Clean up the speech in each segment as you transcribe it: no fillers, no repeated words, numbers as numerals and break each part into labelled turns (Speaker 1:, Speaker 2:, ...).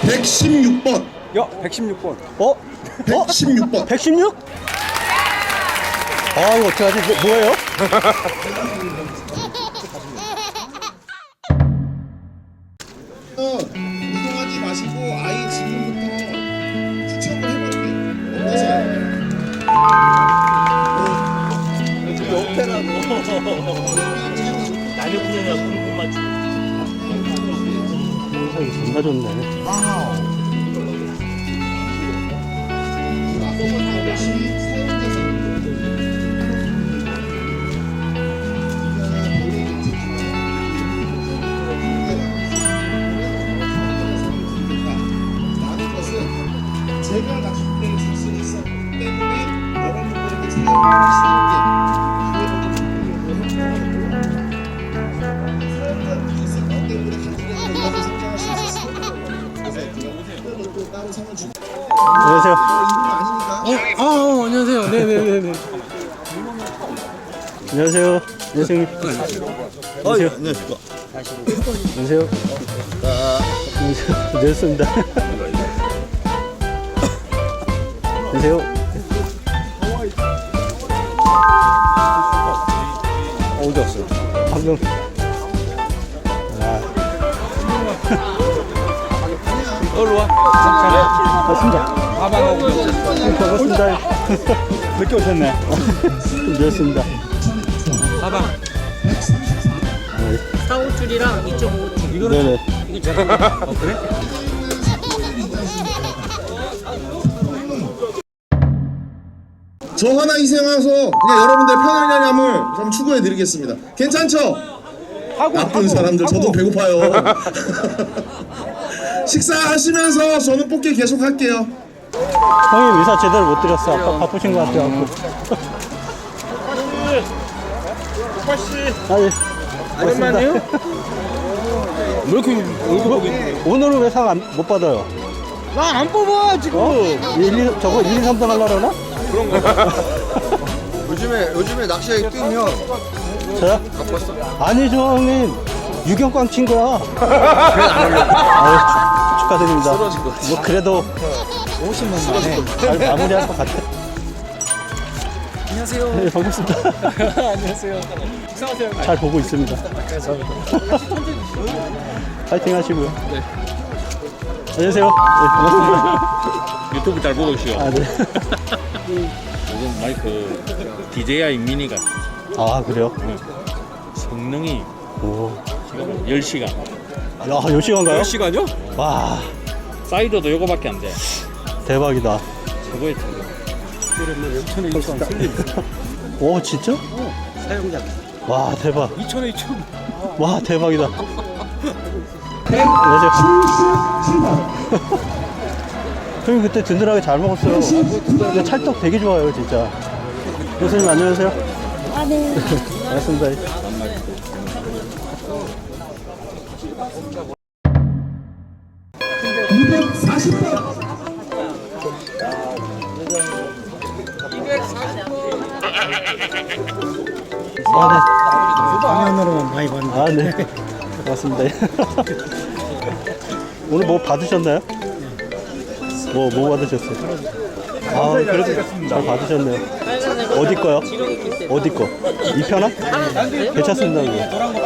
Speaker 1: 116번.
Speaker 2: 야, 116번.
Speaker 1: 116번.
Speaker 2: 116? 아, 이거 어떡하지? 뭐예요?
Speaker 1: 이동하지 마시고 아예 지금부터 추첨을 해볼게요. 어떠세요?
Speaker 3: 나뉘어보느냐고 못 맞추고.
Speaker 2: 영상이 존나 좋네.
Speaker 1: 라는 것은 제가 낚싯대 줄 수 있었기 때문에 여러분들에게 사용하기 쉬운 게 사용자분이 있었기 때문에 가족에게 성장할 수 있었어요. 그래서 제가 또 따로 상을 주고
Speaker 2: 안녕하세요.
Speaker 1: 아니니까.
Speaker 4: 안녕하세요. 네네네네.
Speaker 2: 안녕하세요. 안녕하세요. 안녕하세요.
Speaker 4: 안녕하십니까.
Speaker 2: 안녕하세요. 안녕하십니다. 안녕하세요.
Speaker 4: 어디 왔어요?
Speaker 2: 방금.
Speaker 4: 얼로 와.
Speaker 2: 반갑습니다. 반갑습니다.
Speaker 4: 늦게 오셨네.
Speaker 2: 늦었습니다.
Speaker 4: 가방.
Speaker 5: 4호줄이랑 2.5줄.
Speaker 2: 네네.
Speaker 5: 이거 제가
Speaker 4: 그래?
Speaker 1: 저 하나 희생해서 그냥 여러분들 편안함을 좀 추구해 드리겠습니다. 괜찮죠? 나쁜 사람들 저도 배고파요. 식사하시면서 저는 뽑기 계속 할게요.
Speaker 2: 형님 의사 제대로 못 드렸어. 아까 바쁘신 것 같아요. 아니, 오랜만이요?
Speaker 4: 왜 이렇게 얼굴 보기?
Speaker 2: 오늘은 왜 상 못 받아요?
Speaker 4: 나 안 뽑아 지금.
Speaker 2: 저거 1, 2, 3등 하려고 그러나?
Speaker 6: 요즘에 낚시에 뛰면
Speaker 2: 저요?
Speaker 6: 바빴어?
Speaker 2: 아니죠, 형님. 유경광 친 거야. 아유, 축하드립니다. 뭐, 그래도 50만 만에 잘 마무리할 것 같아.
Speaker 4: 안녕하세요.
Speaker 2: 네, 반갑습니다.
Speaker 4: 안녕하세요. 식사하세요.
Speaker 2: 잘 보고 있습니다. 파이팅 하시고요.
Speaker 4: 네.
Speaker 2: 안녕하세요. 네, 반갑습니다.
Speaker 3: 유튜브 잘 보고 있어요.
Speaker 2: 아, 네.
Speaker 3: 요즘 마이크 DJI 미니가
Speaker 2: 아, 그래요?
Speaker 3: 성능이
Speaker 2: 오.
Speaker 3: 지금 10시간.
Speaker 2: 야, 10시간가요?
Speaker 4: 10시간요?
Speaker 2: 와,
Speaker 3: 사이드도 요거밖에 안 돼.
Speaker 2: 대박이다.
Speaker 3: 최고의 최고.
Speaker 2: 오, 진짜?
Speaker 4: 사용자.
Speaker 2: 와, 대박.
Speaker 4: 2,000원 2,000원.
Speaker 2: 와, 대박이다. 안녕하세요. 형님 그때 든든하게 잘 먹었어요. 근데 찰떡 되게 좋아요, 진짜. 교수님 안녕하세요.
Speaker 7: 아, 네.
Speaker 2: 반갑습니다.
Speaker 4: 화면으로만 많이 봤는데.
Speaker 2: 아, 네. 반갑습니다. 오늘 뭐 받으셨나요? 뭐 받으셨어요? 아, 그래도 잘 받으셨네요. 어디 거요? 어디 거? 이 편아? 괜찮습니다. 이거.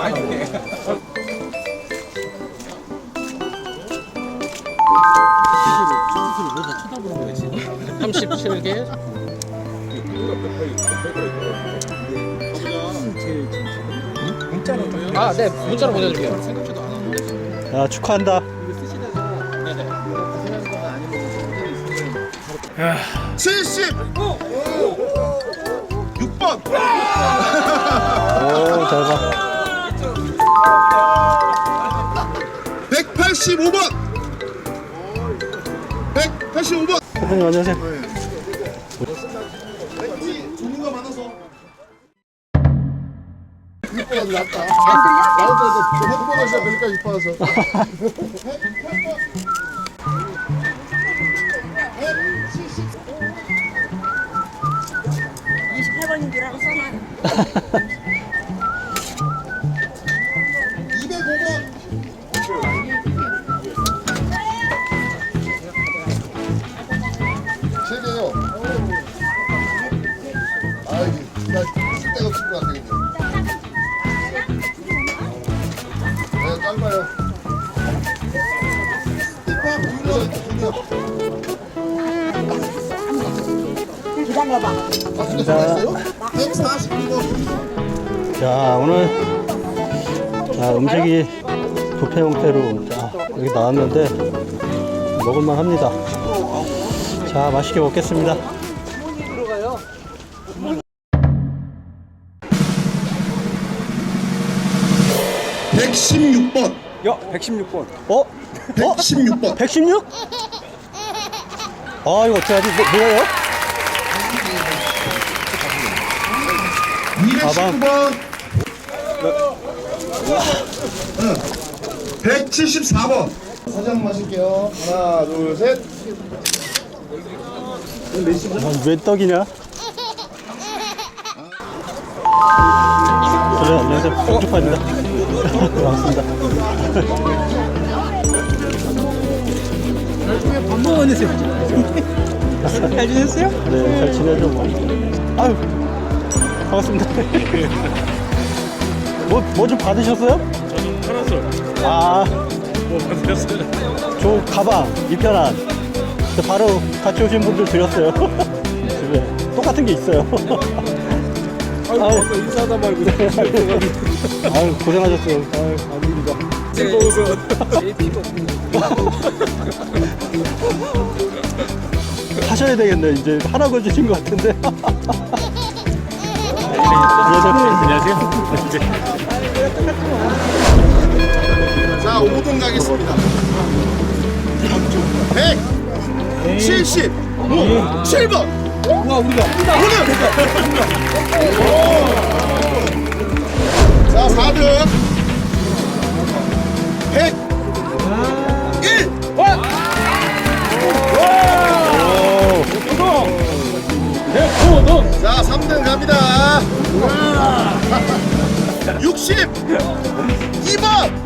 Speaker 5: 37개. 아, 네. 문자로 보내드릴게요.
Speaker 2: 야, 축하한다.
Speaker 1: 76번.
Speaker 2: 오, 잘 봐.
Speaker 1: 185번. 185번.
Speaker 2: 대표님 안녕하세요.
Speaker 1: 종류가 많아서.
Speaker 6: 낫다. 나도 핸드폰 하시다 보니까 이뻐서.
Speaker 7: 28번인 줄 알고 써놔요.
Speaker 1: 205번.
Speaker 6: 작아요.
Speaker 7: 기다려봐.
Speaker 2: 자,
Speaker 6: 140kg.
Speaker 2: 자 오늘 음식이 뷔페 형태로 여기 나왔는데 먹을만 합니다. 자 맛있게 먹겠습니다.
Speaker 1: 116번.
Speaker 4: 야, 116번.
Speaker 1: 116번.
Speaker 2: 116? 아 이거 어떡하지? 뭐예요?
Speaker 1: 219번. 174번.
Speaker 6: 사장 마실게요. 하나, 둘, 셋.
Speaker 2: 왜 떡이냐? 그래 안녕하세요. 복죽파입니다. 반갑습니다.
Speaker 4: 밥 먹었는데 잘 지냈어요?
Speaker 2: 네, 잘 지내죠 뭐. 아유, 반갑습니다. 뭐 좀 받으셨어요?
Speaker 3: 저는 파라솔
Speaker 2: 아,
Speaker 3: 뭐 받으셨어요?
Speaker 2: 저 가방 이편한. 바로 같이 오신 분들 드렸어요. 집에 똑같은 게 있어요.
Speaker 4: 아유, 아까 인사하다 말고
Speaker 2: 아유, 고생하셨어요. 아유,
Speaker 4: 아닙니다. 즐거워서
Speaker 2: 하셔야 되겠네. 이제 하라고 해주신 것 같은데.
Speaker 3: 안녕하세요.
Speaker 1: 자, 5등 가겠습니다. 177번.
Speaker 4: 와, 우리가
Speaker 1: 자, 4등. 101. 자, 3등 갑니다. 62번.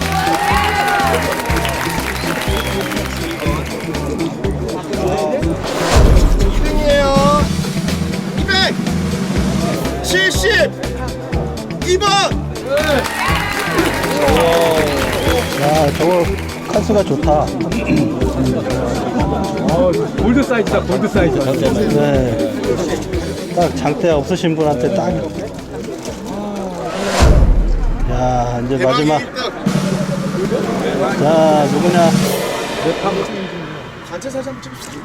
Speaker 1: 이등이에요. 272번.
Speaker 2: 야, 저거 칸수가 좋다.
Speaker 4: 골드 사이즈다, 골드 사이즈.
Speaker 2: 네. 딱 장대 없으신 분한테 딱. 야, 이제 마지막. 자, 누구냐?
Speaker 1: 단체 사진 한번 찍읍시다.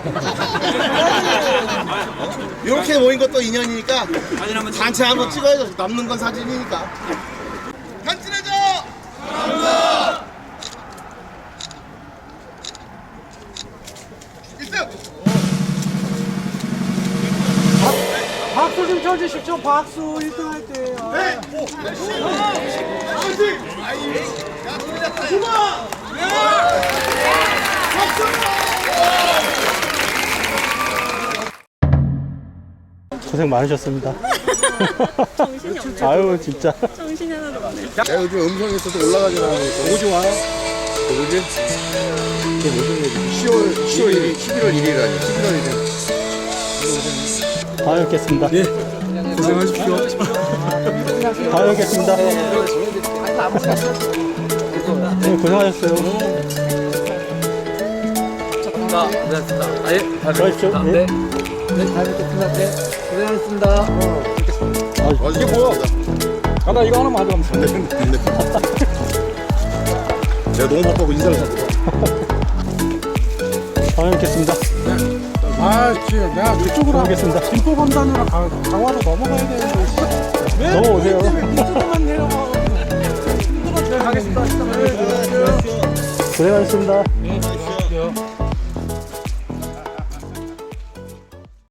Speaker 1: 이렇게 모인 것도 인연이니까 단체 한번 찍어야죠. 남는 건 사진이니까. 단체내죠. 감사합니다. 1등.
Speaker 4: 박수 좀 쳐주십시오. 박수 1등 할 때.
Speaker 1: 네. 화이팅! 자, 9번!
Speaker 2: 고생 많으셨습니다.
Speaker 7: 정신이 없네.
Speaker 2: 아유, 진짜.
Speaker 7: 정신이 하나도 없네.
Speaker 6: 내가 요즘 음성에서도 올라가지 않아요.
Speaker 4: 너무 좋아.
Speaker 6: 뭐지? 그 무슨 얘기? 10월 1일, 11월 1일이라니. 11월 1일.
Speaker 2: 다음에 뵙겠습니다.
Speaker 4: 예. 고생하십시오.
Speaker 2: 다음에 뵙겠습니다. 네, 고생하셨어요.
Speaker 5: 고생하셨습니다. 예,
Speaker 2: 들어가십시오. 네.
Speaker 5: 네, 다음에 또 끝났대. 고생하셨습니다.
Speaker 6: 아, 이게 뭐야?
Speaker 4: 나 이거 하나만 가져가면 돼.
Speaker 6: 내가 너무 바빠고 인사를 못 해.
Speaker 2: 다음에 뵙겠습니다.
Speaker 4: 아, 지금 내가 이쪽으로
Speaker 2: 하겠습니다.
Speaker 4: 김포 검사느라 강화로 넘어가야 되는데.
Speaker 2: 넘어오세요.
Speaker 4: 이쪽만 내려가. 힘들어. 가겠습니다.
Speaker 2: 고생하셨습니다.